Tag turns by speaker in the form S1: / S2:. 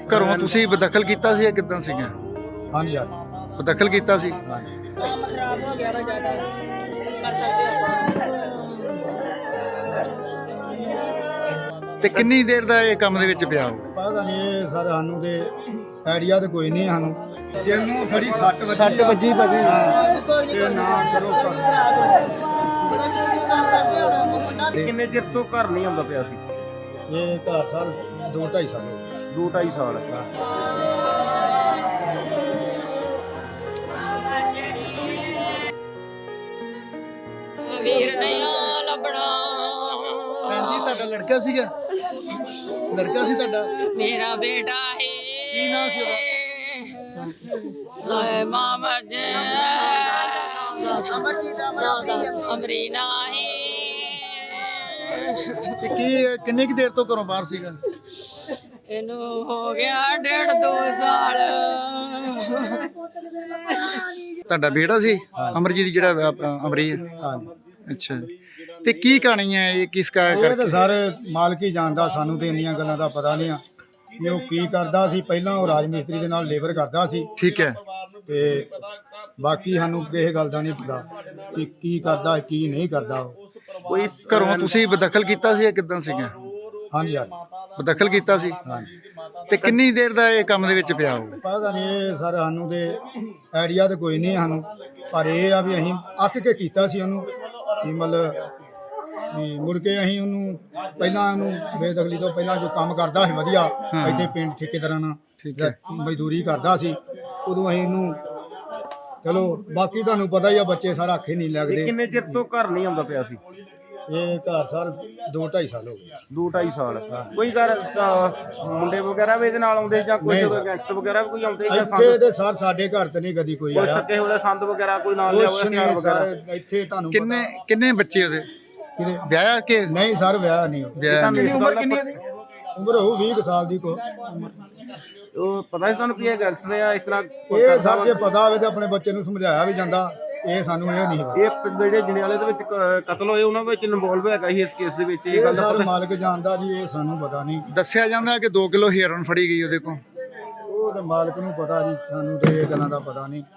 S1: ਘਰੋਂ ਤੁਸੀਂ ਬਦਖਲ ਕੀਤਾ ਸੀ ਜਾਂ ਕਿੱਦਾਂ ਸੀਗਾ?
S2: ਹਾਂਜੀ ਯਾਰ
S1: ਬਦਖਲ ਕੀਤਾ ਸੀ।
S2: ਹਾਂਜੀ
S3: ਕੰਮ ਖਰਾਬ ਹੋ ਗਿਆ ਵਾ ਜ਼ਿਆਦਾ ਕੀ ਕਰ ਸਕਦੇ ਆਪਾਂ।
S1: ਤੇ ਕਿੰਨੀ ਦੇਰ ਦਾ ਇਹ ਕੰਮ ਦੇ ਵਿੱਚ ਪਿਆ ਹੋ?
S2: ਪਤਾ ਨਹੀਂ ਇਹ ਸਰ ਸਾਨੂੰ ਤੇ ਆਈਡੀਆ ਤੇ ਕੋਈ ਨਹੀਂ ਸਾਨੂੰ ਜਿਹਨੂੰ ਸੜੀ 60
S1: ਵੱਜੀ ਭਾਜੀ।
S2: ਤੇ ਨਾ ਚਲੋ
S4: ਕਿੰਨੇ ਚਿਰ ਤੋਂ ਘਰ ਨਹੀਂ ਆਉਂਦਾ ਪਿਆ ਸੀ?
S2: ਇਹ ਘਰ ਸਰ 2-2.5 ਸਾਲ ਹੋ ਗਏ।
S4: 2-2.5 ਸਾਲ।
S5: ਵੀਰ ਨਹੀਂ ਲੱਭਣਾ।
S1: ਭੈਣ ਜੀ ਤੁਹਾਡਾ ਲੜਕਾ ਸੀਗਾ? ਲੜਕਾ ਸੀ ਤੁਹਾਡਾ?
S5: ਮੇਰਾ ਬੇਟਾ ਹੈ।
S1: ਕੀ ਨਾਂ ਸੀ ਉਹਦਾ?
S5: ਹਾਏ ਮਾਂ ਮਰ ਜੇ।
S3: ਅਮਰਜੀਤ
S5: ਅਮਰੀਨਾ ਹੈ।
S1: ਤੇ ਕਿੰਨੇ ਕੁ ਦੇਰ ਤੋਂ ਘਰੋਂ ਬਾਹਰ ਸੀਗਾ?
S5: ਇਹਨੂੰ ਹੋ ਗਿਆ 1.5-2 ਸਾਲ।
S1: ਤੁਹਾਡਾ ਬੇਟਾ ਸੀ ਅਮਰਜੀਤ ਜਿਹੜਾ ਅਮਰੀ?
S2: ਹਾਂਜੀ
S1: ਅੱਛਾ। ਤੇ ਕੀ ਕਹਾਣੀ ਹੈ ਇਹ, ਕਿਸ
S2: ਇਹ ਤਾਂ
S1: ਕਰਕੇ?
S2: ਸਰ ਮਾਲਕ ਹੀ ਜਾਣਦਾ, ਸਾਨੂੰ ਤੇ ਇੰਨੀਆਂ ਗੱਲਾਂ ਦਾ ਪਤਾ ਨਹੀਂ ਆ ਕਿ ਉਹ ਕੀ ਕਰਦਾ ਸੀ। ਪਹਿਲਾਂ ਉਹ ਰਾਜ ਮਿਸਤਰੀ ਦੇ ਨਾਲ ਲੇਬਰ ਕਰਦਾ ਸੀ
S1: ਠੀਕ ਹੈ।
S2: ਤੇ ਬਾਕੀ ਸਾਨੂੰ ਕਿਸੇ ਗੱਲ ਦਾ ਨਹੀਂ ਪਤਾ ਕਿ ਕੀ ਕਰਦਾ ਕੀ ਨਹੀਂ ਕਰਦਾ ਉਹ।
S4: ਕੋਈ
S1: ਘਰੋਂ ਤੁਸੀਂ ਬਦਖਲ ਕੀਤਾ ਸੀ ਜਾਂ ਕਿੱਦਾਂ ਸੀਗਾ?
S2: ਹਾਂਜੀ ਯਾਰ
S1: ਬਦਖਲ ਕੀਤਾ ਸੀ।
S2: ਹਾਂਜੀ
S1: ਤੇ ਕਿੰਨੀ ਦੇਰ ਦਾ ਇਹ ਕੰਮ ਦੇ ਵਿੱਚ ਪਿਆ ਹੋ?
S2: ਪਤਾ ਨਹੀਂ ਇਹ ਸਰ ਸਾਨੂੰ ਤੇ ਆਈਡੀਆ ਤੇ ਕੋਈ ਨਹੀਂ ਸਾਨੂੰ, ਪਰ ਇਹ ਆ ਵੀ ਅਸੀਂ ਅੱਕ ਕੇ ਕੀਤਾ ਸੀ ਉਹਨੂੰ ਵੀ ਮਤਲਬ ਵੀ ਮੁੜ ਕੇ ਅਸੀਂ ਉਹਨੂੰ ਪਹਿਲਾਂ ਉਹਨੂੰ ਬੇਦਖਲੀ ਤੋਂ ਪਹਿਲਾਂ ਜੋ ਕੰਮ ਕਰਦਾ ਸੀ ਵਧੀਆ ਇੱਥੇ ਪਿੰਡ ਠੇਕੇਦਾਰਾਂ ਨਾਲ
S1: ਠੀਕ ਹੈ।
S2: ਮਜ਼ਦੂਰੀ ਕਰਦਾ ਸੀ, ਉਦੋਂ ਅਸੀਂ ਇਹਨੂੰ ਚਲੋ ਬਾਕੀ ਤੁਹਾਨੂੰ ਪਤਾ ਹੀ ਆ ਬੱਚੇ ਸਾਰਾ ਅੱਖੇ ਨਹੀਂ ਲੱਗਦੇ।
S4: ਕਿੰਨੇ ਚਿਰ ਤੋਂ ਘਰ ਨਹੀਂ ਆਉਂਦਾ ਪਿਆ ਸੀ?
S2: ਇਹ ਘਰ ਸਰ 2-2.5 ਸਾਲ ਹੋ ਗਏ।
S4: 2-2.5 ਸਾਲ। ਕੋਈ ਘਰ ਮੁੰਡੇ ਵਗੈਰਾ ਵੀ ਇਹਦੇ ਨਾਲ ਆਉਂਦੇ ਜਾਂ ਕੋਈ ਗੈਂਗਸਟਰ ਵਗੈਰਾ ਵੀ ਕੋਈ ਆਉਂਦੇ ਜਾਂ
S2: ਇੱਥੇ ਤੇ ਸਰ ਸਾਡੇ ਘਰ ਤੇ ਨਹੀਂ ਕਦੀ ਕੋਈ
S4: ਕੋਈ
S2: ਆਇਆ।
S4: ਸੱਕੇ ਹੋਏ ਸੰਦ ਵਗੈਰਾ ਕੋਈ ਨਾਲ ਲਿਆ
S2: ਕੁਛ
S4: ਹੋਇਆ
S2: ਨਹੀਂ
S4: ਹਥਿਆਰ
S2: ਸਰ
S4: ਵਗੈਰਾ?
S2: ਇੱਥੇ ਤੁਹਾਨੂੰ
S1: ਕਿੰਨੇ ਬੱਚੇ ਉਹਦੇ?
S2: ਕਿਤੇ
S1: ਵਿਆਹਿਆ ਕਿ
S2: ਨਹੀਂ ਸਰ ਵਿਆਹ ਨਹੀਂ ਹੋਇਆ।
S1: ਵਿਆਹ ਨਹੀਂ?
S4: ਉਮਰ ਕਿੰਨੀ ਹੈ?
S2: ਉਮਰ ਹੋਊ 20 ਕੁ ਸਾਲ ਦੀ ਕੋ।
S4: ਉਹ ਪਤਾ ਸੀ ਤੁਹਾਨੂੰ ਵੀ ਇਹ ਗੈਂਗਸਟਰ ਆ ਇਸ ਤਰ੍ਹਾਂ
S2: ਇਹ ਸਰ ਜੇ ਪਤਾ ਹੋਵੇ ਤੇ ਆਪਣੇ ਬੱਚੇ ਨੂੰ ਸਮਝਾਇਆ ਵੀ ਜਾਂਦਾ, ਇਹ ਸਾਨੂੰ ਇਹ ਨਹੀਂ ਪਤਾ।
S4: ਇਹ ਜਿਹੜੇ ਜਣਿਆਲੇ ਦੇ ਵਿੱਚ ਕਤਲ ਹੋਏ ਉਹਨਾਂ ਵਿੱਚ ਇਨਵੋਲਵ ਹੈਗਾ ਸੀ ਇਸ ਕੇਸ ਦੇ ਵਿੱਚ? ਇਹ
S2: ਇਹ
S4: ਗੱਲ ਦਾ
S2: ਸਰ
S4: ਪਤਾ?
S2: ਮਾਲਕ ਜਾਣਦਾ ਜੀ, ਇਹ ਸਾਨੂੰ ਪਤਾ ਨਹੀਂ।
S1: ਦੱਸਿਆ ਜਾਂਦਾ ਕਿ 2 ਕਿਲੋ ਹੀਰਨ ਫੜੀ ਗਈ ਉਹਦੇ ਕੋਲ।
S2: ਉਹ ਤੇ ਮਾਲਕ ਨੂੰ ਪਤਾ ਜੀ, ਸਾਨੂੰ ਤੇ ਇਹ ਗੱਲਾਂ ਦਾ ਪਤਾ ਨਹੀਂ।